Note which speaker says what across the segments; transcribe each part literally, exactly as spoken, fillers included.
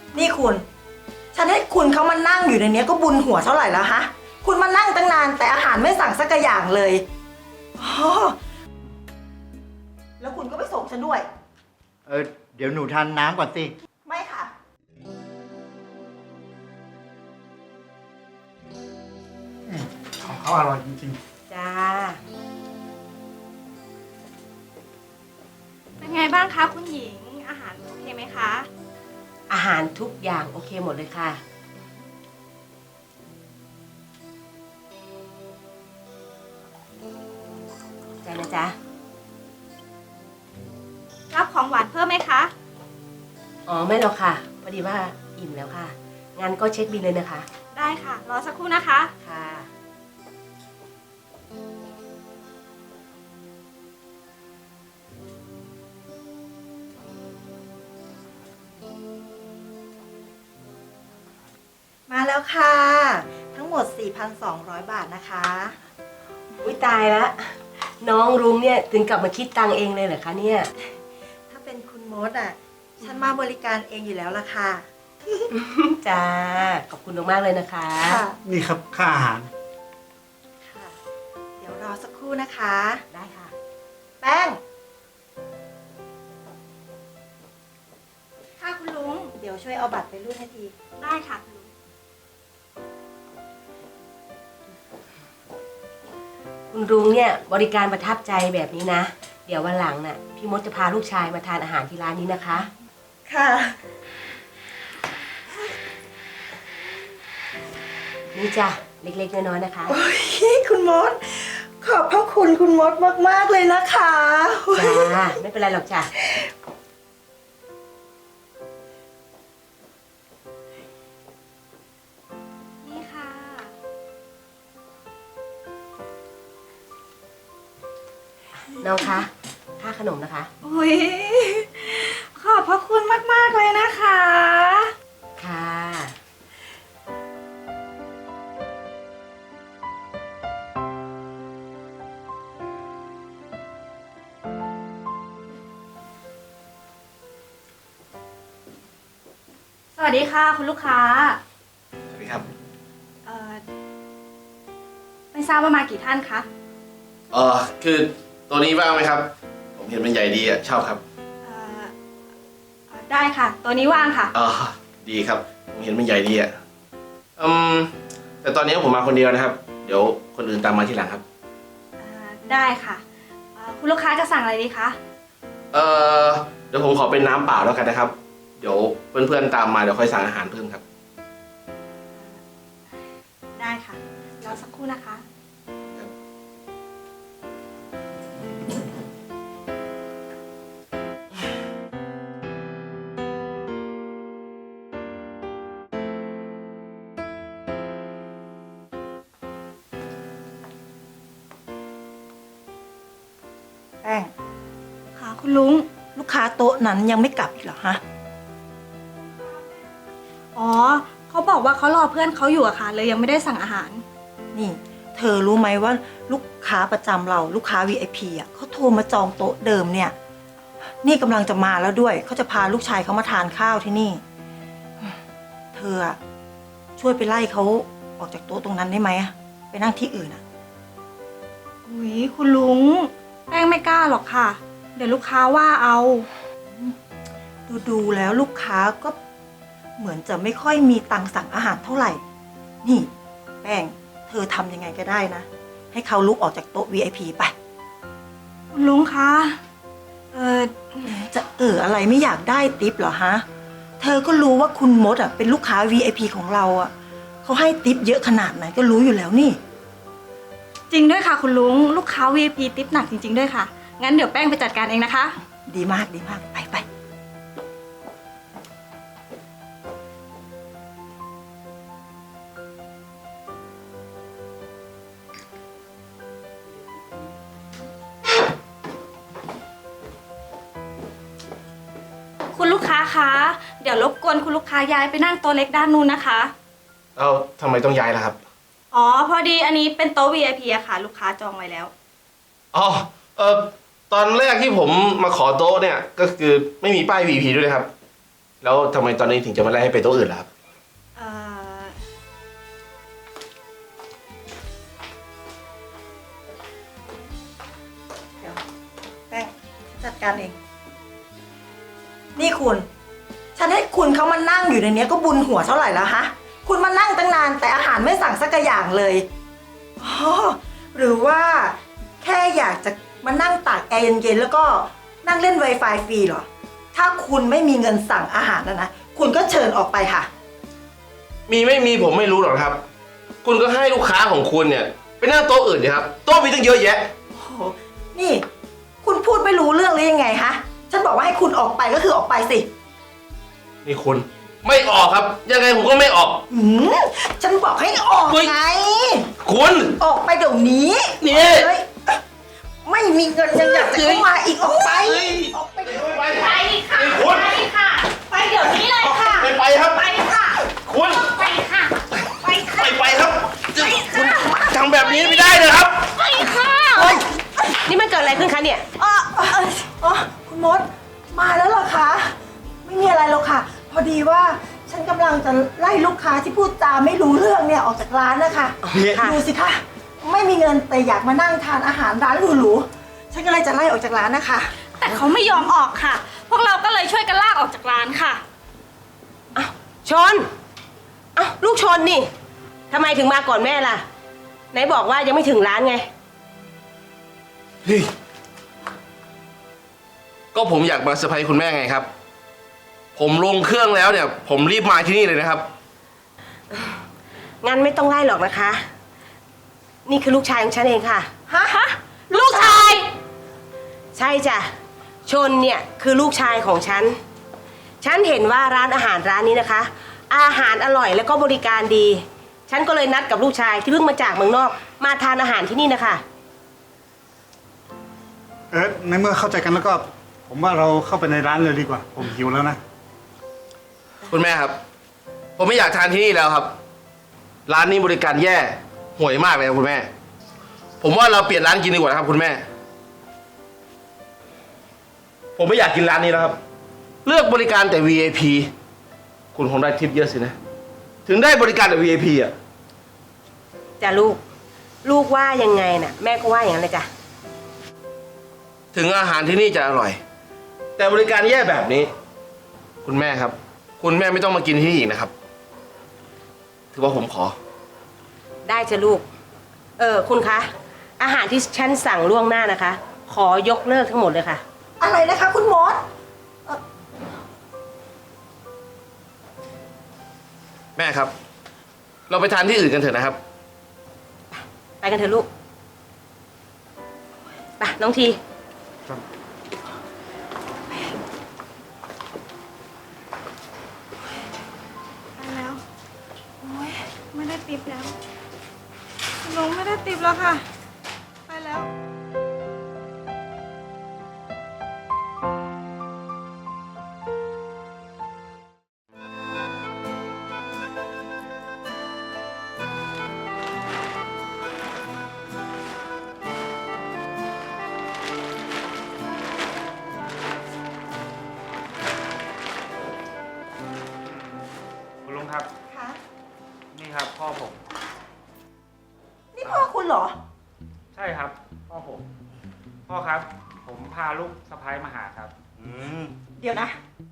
Speaker 1: นี่คุณฉันให้คุณเขามานั่งอยู่ในนี้ก็บุญหัวเท่าไหร่แล้วฮะคุณมานั่งตั้งนานแต่อาหารไม่สั่งสักอย่างเลยอ๋อแล้วคุณก็ไปส่งฉันด้วย
Speaker 2: เออเดี๋ยวหนูทานน้ำก่อนสิ
Speaker 1: ไม่ค่ะ
Speaker 3: ของเขาอร่อยจริงๆ
Speaker 4: จ้า
Speaker 5: เป็นไงบ้างคะคุณหญิงอาหารโอเคไหมคะ
Speaker 4: อาหารทุกอย่างโอเคหมดเลยค่ะใจนะจ๊ะ
Speaker 5: รับของหวานเพิ่มไหมคะ
Speaker 4: อ๋อไม่หรอกค่ะพอดีว่าอิ่มแล้วค่ะงั้นก็เช็คบิลเลยนะคะ
Speaker 5: ได้ค่ะรอสักครู่นะคะ
Speaker 4: ค่ะ
Speaker 1: มาแล้วค่ะทั้งหมด สี่พันสองร้อย บาทนะคะ
Speaker 4: อุ้ยตายละน้องรุ้งเนี่ยถึงกลับมาคิดตังเองเลยเหรอคะเนี่ย
Speaker 1: ถ้าเป็นคุณมดอ่ะฉันมาบริการเองอยู่แล้วล่ะค่ะ
Speaker 4: จ้าขอบคุณมากๆเลยนะคะ
Speaker 3: นี่ครับค่าอาหาร
Speaker 1: ค่ะเดี๋ยวรอสักครู่นะคะ
Speaker 4: ได้ค่ะ
Speaker 1: แป้ง
Speaker 5: ค่ะคุณลุง
Speaker 1: เดี๋ยวช่วยเอาบัตรไปรูดให้ที
Speaker 5: ได้ค่ะคุณลุง
Speaker 4: คุณรุ้งเนี่ยบริการประทับใจแบบนี้นะเดี๋ยววันหลังน่ะพี่มดจะพาลูกชายมาทานอาหารที่ร้านนี้นะคะ
Speaker 1: ค่ะ
Speaker 4: นี่จ้ะเล็กๆน้อยๆนะคะ
Speaker 1: โอ้ยคุณมดขอบพระคุณคุณมดมากๆเลยนะคะ
Speaker 4: จ้าไม่เป็นไรหรอกจ้ะ
Speaker 5: นี่ค่ะ
Speaker 4: น้องคะค่าขนมนะคะ
Speaker 5: โอ้ยขอบพระคุณมากๆเลยนะคะ
Speaker 4: ค่ะ
Speaker 5: สวัสดีค่ะคุณลูกค้า
Speaker 6: สวัสดีครับ
Speaker 5: เอ่อไม่ทราบว่ามากี่ท่านคะ
Speaker 6: เออคือตัวนี้ว่างไหมครับผมเห็นมันใหญ่ดีอ่ะชอบครับ
Speaker 5: เอ่อได้ค่ะตัวนี้ว่างค่ะ
Speaker 6: อ๋อดีครับผมเห็นมันใหญ่ดีอ่ะอืมแต่ตอนนี้ผมมาคนเดียวนะครับเดี๋ยวคนอื่นตามมาทีหลังครับ
Speaker 5: ได้ค่ะคุณลูกค้าจะสั่งอะไรดีคะ
Speaker 6: เออเดี๋ยวผมขอเป็นน้ำเปล่าแล้วกันนะครับเดี๋ยวเพื่อนๆตามมาเดี๋ยวค่อยสั่งอาหารเพิ่มครับ
Speaker 5: ได้ค่ะรอสักครู่นะคะ
Speaker 1: แป้ง
Speaker 5: ค่ะคุณลุง
Speaker 1: ลูกค้าโต๊ะนั้นยังไม่กลับอีกเหรอฮะ
Speaker 5: อ๋อเขาบอกว่าเขารอเพื่อนเขาอยู่อะค่ะเลยยังไม่ได้สั่งอาหาร
Speaker 1: นี่เธอรู้ไหมว่าลูกค้าประจำเราลูกค้า วี ไอ พี อ่ะเขาโทรมาจองโต๊ะเดิมเนี่ยนี่กำลังจะมาแล้วด้วยเขาจะพาลูกชายเขามาทานข้าวที่นี่เธอช่วยไปไล่เขาออกจากโต๊ะตรงนั้นได้ไหมไปนั่งที่อื่นอ่ะ
Speaker 5: อุ้ยคุณลุงแป้งไม่กล้าหรอกค่ะเดี๋ยวลูกค้าว่าเอา
Speaker 1: ดูดูแล้วลูกค้าก็เหมือนจะไม่ค่อยมีตังค์สั่งอาหารเท่าไหร่นี่แป้งเธอทำยังไงก็ได้นะให้เขาลุกออกจากโต๊ะ วี ไอ พี ไป
Speaker 5: คุณลุงคะเออ
Speaker 1: จะเอออะไรไม่อยากได้ทิปเหรอฮะเธอก็รู้ว่าคุณมดอ่ะเป็นลูกค้า วี ไอ พี ของเราอ่ะเขาให้ทิปเยอะขนาดไหนก็รู้อยู่แล้วนี่
Speaker 5: จริงด้วยค่ะคุณลุงลูกค้า วี ไอ พี ทิปหนักจริงๆด้วยค่ะงั้นเดี๋ยวแป้งไปจัดการเองนะคะ
Speaker 1: ดีมากดีมากไปไป
Speaker 5: คุณลูกค้าคะเดี๋ยวรบกวนคุณลูกค้าย้ายไปนั่งโต๊ะเล็กด้านนู้นนะคะ
Speaker 6: เอ้าทำไมต้องย้ายล่ะครับ
Speaker 5: อ๋อพอดีอันนี้เป็นโต๊ะ วี ไอ พี อะค่ะลูกค้าจองไว้แล้ว
Speaker 6: อ๋อเออตอนแรกที่ผมมาขอโต๊ะเนี่ยก็คือไม่มีป้าย วี พี ด้วยนะครับแล้วทำไมตอนนี้ถึงจะมาไล่ให้ไปโต๊ะอื่นล่ะครับ
Speaker 5: เอ่อ
Speaker 1: เดี๋ยวแป้งจัดการเอง นี่คุณ ฉันให้คุณเขามานั่งอยู่ในเนี้ยก็บุญหัวเท่าไหร่แล้วฮะ คุณมานั่งตั้งนานแต่อาหารไม่สั่งสักอย่างเลยอ๋อหรือว่าแค่อยากจะมานั่งตากแอร์เย็นๆแล้วก็นั่งเล่น Wi-Fi ฟรีเหรอ ถ้าคุณไม่มีเงินสั่งอาหารนะนะ คุณก็เชิญออกไปค่ะ
Speaker 6: มีไม่มีผมไม่รู้หรอกครับ คุณก็ให้ลูกค้าของคุณเนี่ยไปนั่งโต๊ะอื่นดีครับโต๊ะมีตั้งเยอะแยะ
Speaker 1: โอ้โห นี่ คุณพูดไม่รู้เรื่องหรือยังไงฮะ ฉันบอกว่าให้คุณออกไปก็คือออกไปสิ
Speaker 6: นี่คุณไม่ออกครับ ยังไงผมก็ไม่ออก
Speaker 1: หืมฉันบอกให้ออก
Speaker 6: เฮ้ย
Speaker 1: ไง
Speaker 6: คุณ
Speaker 1: ออกไปเดี๋ยวนี้
Speaker 6: นี่
Speaker 1: เฮ้ยไม่มีเงินยังอยากจะเข้ามาอีกออกไป
Speaker 6: เฮ้ย
Speaker 1: ออกไป
Speaker 6: ไปไป
Speaker 5: ไปค่ะ
Speaker 6: นี่คุณ
Speaker 5: ไปค่ะ ไปเดี๋ยวนี้เลยค่ะ
Speaker 6: ไปไปครับ
Speaker 5: ไปค่ะ
Speaker 6: คุณ
Speaker 5: ไปค่ะ ไป
Speaker 6: ไป
Speaker 5: ค่ะ
Speaker 6: ไปครับ
Speaker 5: ไปค่ะ
Speaker 6: ทำแบบนี้ไม่ได้นะครับ
Speaker 5: ไปค่ะ
Speaker 1: เฮ้ย
Speaker 4: นี่มันเกิดอะไรขึ้นคะเนี่ย
Speaker 1: อ๋ออ๋ออ๋อคุณมด มาแล้วเหรอคะ ไม่มีอะไรหรอกค่ะ พอดีว่าฉันกำลังจะไล่ลูกค้าที่พูดจาไม่รู้เรื่องเนี่ยออกจากร้านนะคะ
Speaker 4: ค่ะ
Speaker 1: ดูสิคะ ไม่มีเงินแต่อยากมานั่งทานอาหารร้านหรูๆ ฉันก็เลยจะไล่ออกจากร้านนะคะ
Speaker 5: แต่เขาไม่ยอมออกค่ะ พวกเราก็เลยช่วยกันลากออกจากร้านค่ะ
Speaker 4: อ้าวชนอ้าวลูกชนนี่ทำไมถึงมาก่อนแม่ล่ะ ไหนบอกว่ายังไม่ถึงร้านไง
Speaker 6: เฮ้ยก็ผมอยากมาเซอร์ไพรส์คุณแม่ไงครับ ผมลงเครื่องแล้วเนี่ย ผมรีบมาที่นี่เลยนะครับ
Speaker 4: งั้นไม่ต้องไล่หรอกนะคะ นี่คือลูกชายของฉันเองค่ะ
Speaker 1: ฮะ
Speaker 5: ลูกชาย
Speaker 4: ใช่จ้ะ ชนเนี่ยคือลูกชายของฉัน ฉันเห็นว่าร้านอาหารร้านนี้นะคะ อาหารอร่อยแล้วก็บริการดี ฉันก็เลยนัดกับลูกชายที่เพิ่งมาจากเมืองนอก มาทานอาหารที่นี่นะคะ
Speaker 3: เออในเมื่อเข้าใจกันแล้วก็ ผมว่าเราเข้าไปในร้านเลยดีกว่า ผมหิวแล้วนะ
Speaker 6: คุณแม่ครับ ผมไม่อยากทานที่นี่แล้วครับ ร้านนี้บริการแย่ห่วยมากเลยครับคุณแม่ ผมว่าเราเปลี่ยนร้านกินดีกว่านะครับ คุณแม่ ผมไม่อยากกินร้านนี้แล้วครับ เลือกบริการแต่ วี ไอ พี คุณคงได้ทิปเยอะสินะ ถึงได้บริการแต่ วี ไอ พี อ่ะ
Speaker 4: จ้ะลูก ลูกว่ายังไงน่ะ แม่ก็ว่าอย่างนั้นเลยจ้ะ
Speaker 6: ถึงอาหารที่นี่จะอร่อย แต่บริการแย่แบบนี้ คุณแม่ครับ คุณแม่ไม่ต้องมากินที่นี่อีกนะครับ ถือว่าผมขอ
Speaker 4: ได้จ้ะลูก เออคุณคะ อาหารที่ฉันสั่งล่วงหน้านะคะ ขอยกเลิกทั้งหมดเลยค่ะ
Speaker 1: อะไรนะคะคุณมด
Speaker 6: แม่ครับ เราไปทานที่อื่นกันเถอะนะครับ
Speaker 4: ไปกันเถอะลูก ไปน้องที
Speaker 5: ไปแล้ว โอ้ยไม่ได้ติปแล้วคุณลุงไม่ได้ติปแล้วค่ะ ไปแล้ว
Speaker 3: คุณลุงครับ
Speaker 1: คะ
Speaker 3: นี่ครับพ่อผม
Speaker 1: นี่พ่อคุณเหรอ
Speaker 7: ใช่ครับพ่อผม พ่อครับ ผมพาลูกสะพ้ายมาหาครับ
Speaker 2: อืม
Speaker 1: เดี๋ยวนะ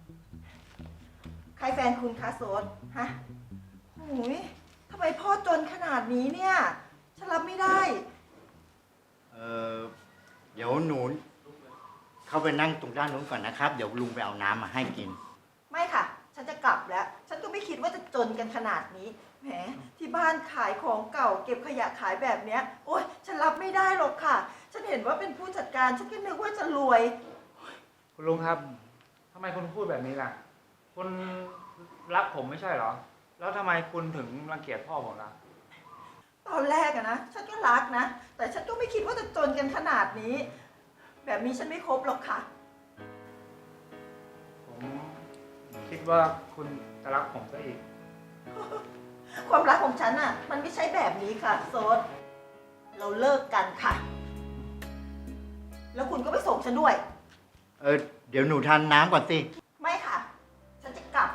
Speaker 1: ใครแฟนคุณคะโซนฮะโอ้ยทำไมพ่อจนขนาดนี้เนี่ย ฉันรับไม่ได้
Speaker 2: เออเดี๋ยวหนูเข้าไปนั่งตรงด้านนู้นก่อนนะครับ เดี๋ยวลุงไปเอาน้ำมาให้กิน
Speaker 1: ไม่ค่ะ ฉันจะกลับแล้ว ฉันก็ไม่คิดว่าจะจนกันขนาดนี้ แหม ที่บ้านขายของเก่า เก็บขยะขายแบบเนี้ย โอ๊ย ฉันรับไม่ได้หรอกค่ะ ฉันเห็นว่าเป็นผู้จัดการ ฉันก็นึกว่าจะรวย
Speaker 7: คุณลุงครับทำไมคุณพูดแบบนี้ล่ะ คุณรักผมไม่ใช่เหรอ แล้วทำไมคุณถึงรังเกียจพ่อผมล่ะ
Speaker 1: ตอนแรกอะนะ ฉันก็รักนะ แต่ฉันก็ไม่คิดว่าจะจนกันขนาดนี้ แบบนี้ฉันไม่ครบหรอกค่ะ
Speaker 7: ผมคิดว่าคุณจะรักผมซะอีก
Speaker 1: ความรักของฉันอะมันไม่ใช่แบบนี้ค่ะโซดเราเลิกกันค่ะ แล้วคุณก็ไปส่งฉันด้วย
Speaker 2: เออเดี๋ยวหนูทานน้ำก่อนสิ
Speaker 1: ไม่ค่ะ ฉันจะกลับ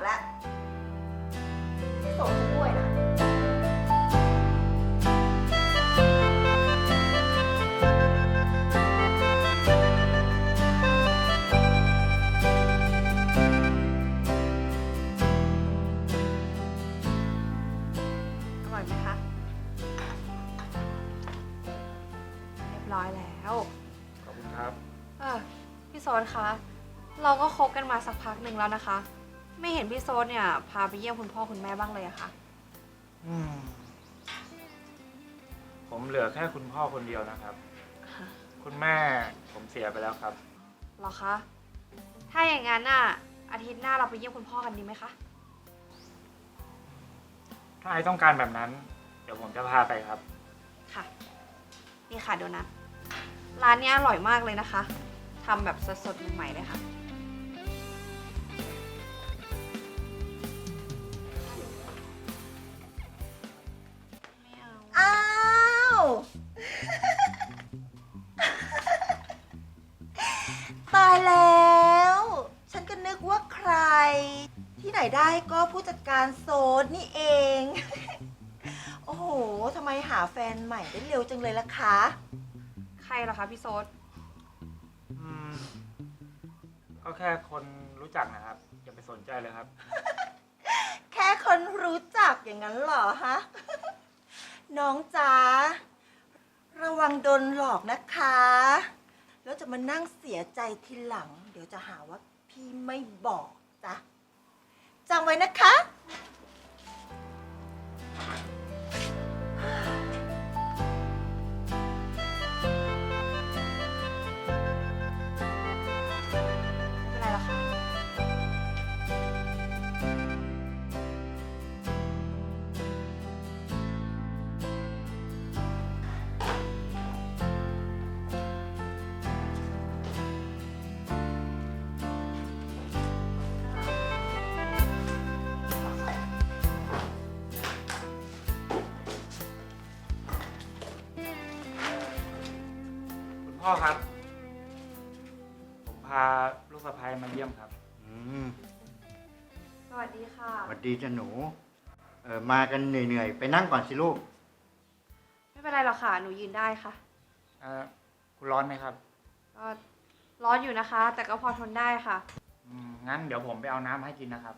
Speaker 5: ร้อยแล้ว
Speaker 7: ขอบคุณครับ
Speaker 5: เออพี่โซนคะ เราก็คบกันมาสักพักหนึ่งแล้วนะคะ ไม่เห็นพี่โซนเนี่ยพาไปเยี่ยมคุณพ่อคุณแม่บ้างเลยอะค่ะ
Speaker 7: อืม ผมเหลือแค่คุณพ่อคนเดียวนะครับ คุณแม่ผมเสียไปแล้วครับ
Speaker 5: เหรอคะ ถ้าอย่างนั้นน่ะอาทิตย์หน้าเราไปเยี่ยมคุณพ่อกันดีไหมคะ
Speaker 7: ถ้าไอต้องการแบบนั้น เดี๋ยวผมจะพาไปครับ
Speaker 5: ค่ะ นี่ค่ะโดนัท ร้านเนี้ยอร่อยมากเลยนะคะ ทำแบบสดๆใหม่ๆเลยค่ะ ไม่เอา
Speaker 1: อ้าว ตายแล้ว ฉันก็นึกว่าใคร ที่ไหนได้ก็ผู้จัดการโซนนี่เอง โอ้โหทำไมหาแฟนใหม่ได้เร็วจังเลยล่ะคะ
Speaker 5: ใครเหรอคะพี่โซด
Speaker 7: อืม ก็แค่คนรู้จักนะครับ อย่าไปสนใจเลยครับ
Speaker 1: แค่คนรู้จักอย่างนั้นเหรอฮะ น้องจ๋าระวังโดนหลอกนะคะ แล้วจะมานั่งเสียใจทีหลัง เดี๋ยวจะหาว่าพี่ไม่บอกจ้ะจำไว้นะคะ
Speaker 5: ไม่เป็นไรหรอกค่ะ
Speaker 7: คุณพ่อครับ ผมพาลูกสะใภ้มาเยี่ยมครับ
Speaker 2: อืม
Speaker 5: สวัสดีค่ะ
Speaker 2: สวัสดีจ้ะหนู เออมากันเหนื่อยๆ ไปนั่งก่อนสิลูก
Speaker 5: ไม่เป็นไรหรอกค่ะ หนูยืนได้ค่ะ
Speaker 7: เออคุณร้อนไหมครับ
Speaker 5: ก็ร้อนอยู่นะคะ แต่ก็พอทนได้ค่ะ
Speaker 7: อืม งั้นเดี๋ยวผมไปเอาน้ำให้กินนะครับ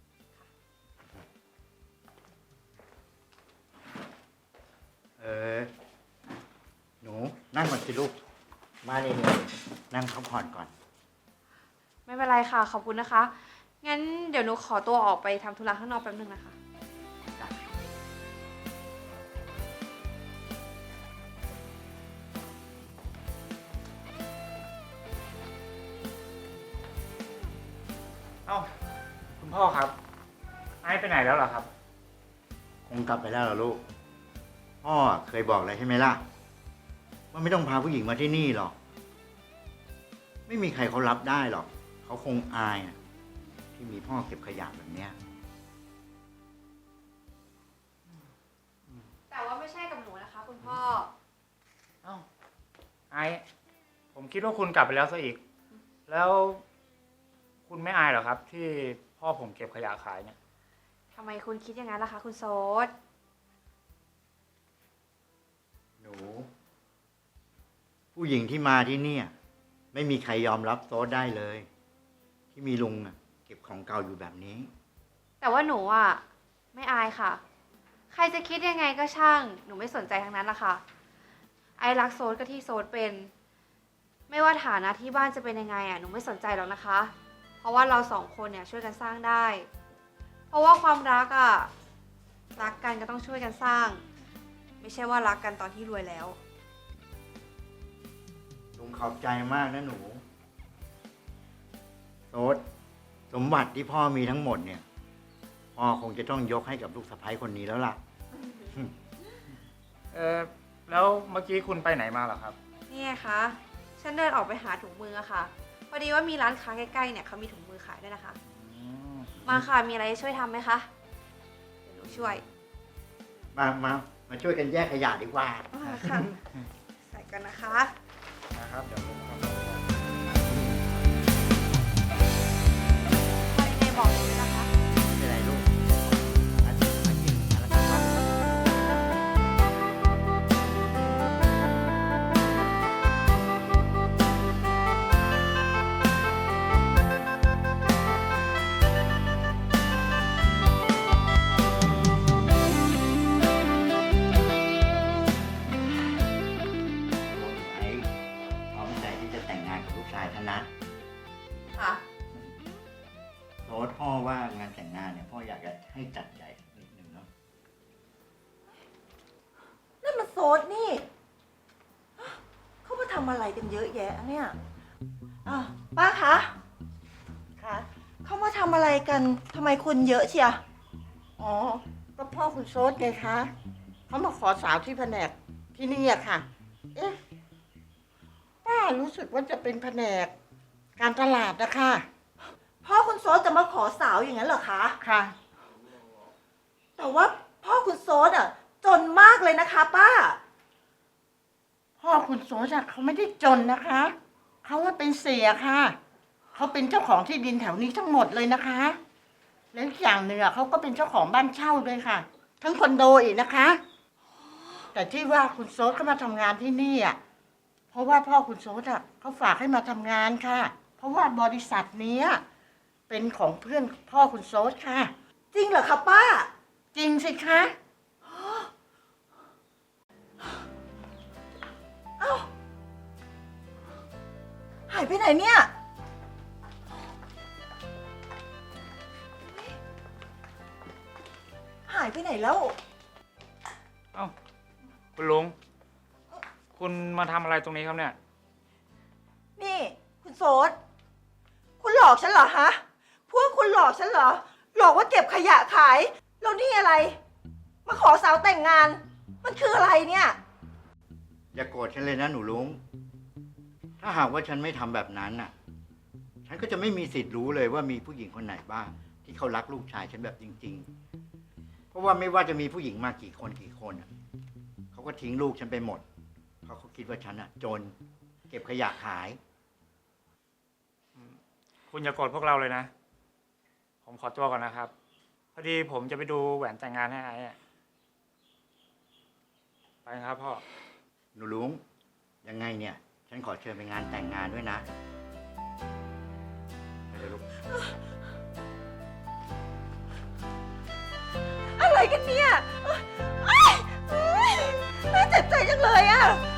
Speaker 2: เออ หนูนั่งก่อนสิลูก มาเหนื่อยๆนั่งพักผ่อนก่อน
Speaker 5: ไม่เป็นไรค่ะ ขอบคุณนะคะ งั้นเดี๋ยวหนูขอตัวออกไปทำธุระข้างนอกแป๊บนึงนะคะ
Speaker 7: เอ้า คุณพ่อครับ ไอ้ไปไหนแล้วเหรอครับ
Speaker 2: คงกลับไปแล้วเหรอลูก พ่อเคยบอกแล้วใช่ไหมล่ะ ว่าไม่ต้องพาผู้หญิงมาที่นี่หรอก ไม่มีใครเขารับได้หรอก เขาคงอายอะที่มีพ่อเก็บขยะแบบเนี้ย
Speaker 5: แต่ว่าไม่ใช่กับหนูนะคะ คุณพ่อ
Speaker 7: เอ้า ไอ้ ผมคิดว่าคุณกลับไปแล้วซะอีก แล้วคุณไม่อายเหรอครับ ที่พ่อผมเก็บขยะขายเนี่ย
Speaker 5: ทำไมคุณคิดอย่างนั้นล่ะคะ คุณโซด
Speaker 2: หนู ผู้หญิงที่มาที่เนี่ย ไม่มีใครยอมรับโต๊ะได้เลย ที่มีลุงอะเก็บของเก่าอยู่แบบนี้
Speaker 5: แต่ว่าหนูอ่ะไม่อายค่ะ ใครจะคิดยังไงก็ช่าง หนูไม่สนใจทั้งนั้นละค่ะ ไอรักโซดก็ที่โซดเป็น ไม่ว่าฐานะที่บ้านจะเป็นยังไงอ่ะ หนูไม่สนใจหรอกนะคะ เพราะว่าเราสองคนเนี่ยช่วยกันสร้างได้ เพราะว่าความรักอ่ะ รักกันก็ต้องช่วยกันสร้าง ไม่ใช่ว่ารักกันตอนที่รวยแล้ว
Speaker 2: ลุงขอบใจมากนะหนูโต๊ดสมบัติที่พ่อมีทั้งหมดเนี่ย พ่อคงจะต้องยกให้กับลูกสะใภ้คนนี้แล้วล่ะ
Speaker 7: เออแล้วเมื่อกี้คุณไปไหนมาเหรอครับ
Speaker 5: นี่ไงคะ ฉันเดินออกไปหาถุงมืออะค่ะ พอดีว่ามีร้านค้าใกล้ๆเนี่ยเขามีถุงมือขายด้วยนะคะ
Speaker 7: อืม
Speaker 5: มาค่ะ มีอะไรช่วยทำไหมคะ เดี๋ยวหนูช่วย
Speaker 2: มามามาช่วยกันแยกขยะดีกว่า
Speaker 5: มาค่ะ ใส่กันนะคะ
Speaker 7: นะครับ เดี๋ยวผมทำ
Speaker 5: พอยังไงบอกหนูด้วยนะคะ
Speaker 2: ไม่เป็นไรลูกอันนี้มากินอะไรกันครับ ไอ้อยากจะให้จัดใหญ่นิดนึงเนาะ
Speaker 1: นั่นมันโซดนี่ เขามาทำอะไรกันเยอะแยะเนี่ยอ่ะป้าคะคะเขามาทำอะไรกันทำไมคนเยอะเชีย
Speaker 8: อ๋อ ก็พ่อคุณโซดไงคะ เขามาขอสาวที่แผนกที่นี่อะค่ะ เอ๊ะ ป้ารู้สึกว่าจะเป็นแผนกการตลาดนะคะ
Speaker 1: พ่อคุณโซดจะมาขอสาวอย่างนั้นเหรอคะ
Speaker 8: ค่ะ
Speaker 1: แต่ว่าพ่อคุณโซดอ่ะ จนมากเลยนะคะป้า
Speaker 8: พ่อคุณโซดอะเขาไม่ได้จนนะคะ เขาว่าเป็นเสียค่ะ เขาเป็นเจ้าของที่ดินแถวนี้ทั้งหมดเลยนะคะ แล้วอีกอย่างหนึ่งอะเขาก็เป็นเจ้าของบ้านเช่าด้วยค่ะ ทั้งคอนโดอีกนะคะ แต่ที่ว่าคุณโซดเขามาทำงานที่นี่อะเพราะว่าพ่อคุณโซดอะเขาฝากให้มาทำงานค่ะ เพราะว่าบริษัทเนี้ยเป็นของเพื่อนพ่อคุณโซดค่ะ
Speaker 1: จริงเหรอคะป้า
Speaker 8: จริงสิคะ
Speaker 1: เอ้า หายไปไหนเนี่ย หายไปไหนแล้ว
Speaker 7: เอ้า คุณลุง คุณมาทำอะไรตรงนี้ครับเนี่ย
Speaker 1: นี่คุณโซดคุณหลอกฉันเหรอฮะ พวกคุณหลอกฉันเหรอ หลอกว่าเก็บขยะขาย แล้วนี่อะไร มาขอสาวแต่งงาน มันคืออะไรเนี่ย
Speaker 2: อย่าโกรธฉันเลยนะหนูลุง ถ้าหากว่าฉันไม่ทำแบบนั้นน่ะ ฉันก็จะไม่มีสิทธิ์รู้เลยว่ามีผู้หญิงคนไหนบ้าง ที่เขารักลูกชายฉันแบบจริง ๆ เพราะว่าไม่ว่าจะมีผู้หญิงมากี่คนกี่คนน่ะเขาก็ทิ้งลูกฉันไปหมด เพราะเขาคิดว่าฉันอ่ะ จน เก็บขยะขาย
Speaker 7: คุณอย่าโกรธพวกเราเลยนะ ผมขอตัวก่อนนะครับ พอดีผมจะไปดูแหวนแต่งงานให้ไอ้อะไปครับพ่อ
Speaker 2: หนูลุง ยังไงเนี่ย ฉันขอเชิญไปงานแต่งงานด้วยนะไปเลยลูก
Speaker 1: อะไรกันเนี่ยเอ้ยเอ้ยน่าเจ็บใจจังเลยอะ